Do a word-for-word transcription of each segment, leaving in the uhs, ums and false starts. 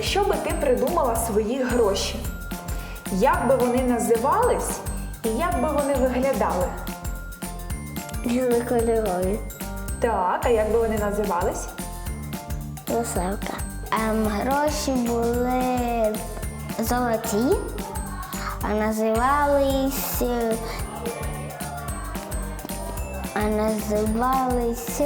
Якщо би ти придумала свої гроші, як би вони називались і як би вони виглядали? Різнокольорові. Так, а як би вони називались? Веселка. Ем, гроші були золоті, а називались а називались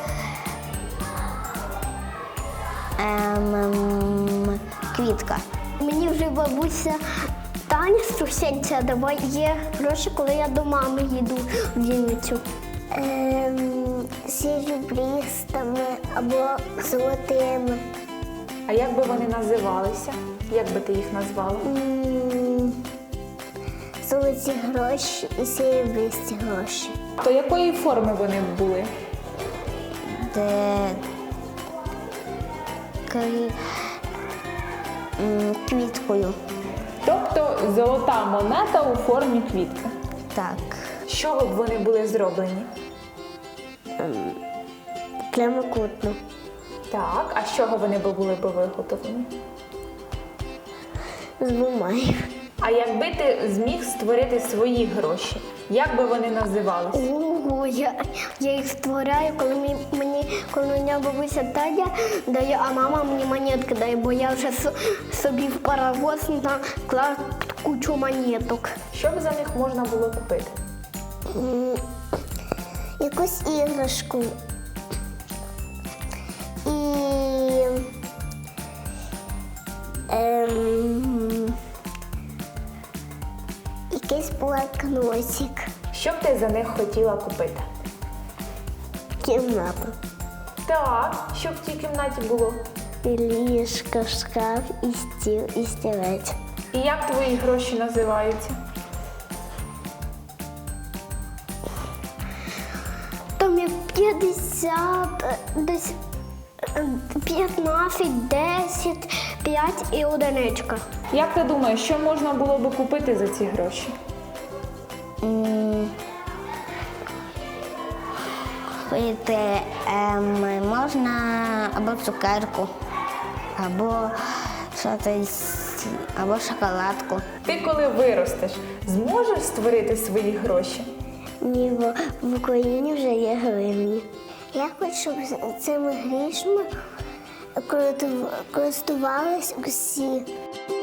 ем, ем, квітка. Мені вже бабуся Таня Струсенця дає гроші, коли я до мами їду в Вінницю. Ем, серебристими або золотими. А як би вони називалися? Як би ти їх назвала? М, Золоті гроші і серебристі гроші. То якої форми вони були? Де кві- м, квіткою. Тобто золота монета у формі квітки. Так. З чого б вони були зроблені? Прямокутно. Так, а з чого вони би були б виготовлені? З бумаги. А якби ти зміг створити свої гроші, як би вони називалися? Ого, я, я їх створяю, коли мені, мені коли мене бабуся Таня дає, а мама мені монетки дає, бо я вже со- собі в паровоз наклав кучу монеток. Що б за них можна було купити? Якусь іграшку. І ем, якийсь блокнотик. Що б ти за них хотіла купити? Кімната. Так, що б в цій кімнаті було? І ліжко, шкаф, і стіл, і стілець. І як твої гроші називаються? Там є п'ятдесят, десь е, п'ятнадцять, десять, п'ять і одиничка. Як ти думаєш, що можна було би купити за ці гроші? М, Купити ем, можна або цукерку, або щось, або шоколадку. Ти коли виростеш, зможеш створити свої гроші? Ні, бо в Україні вже є гривні. Я хочу, щоб цими грішми користувались усі.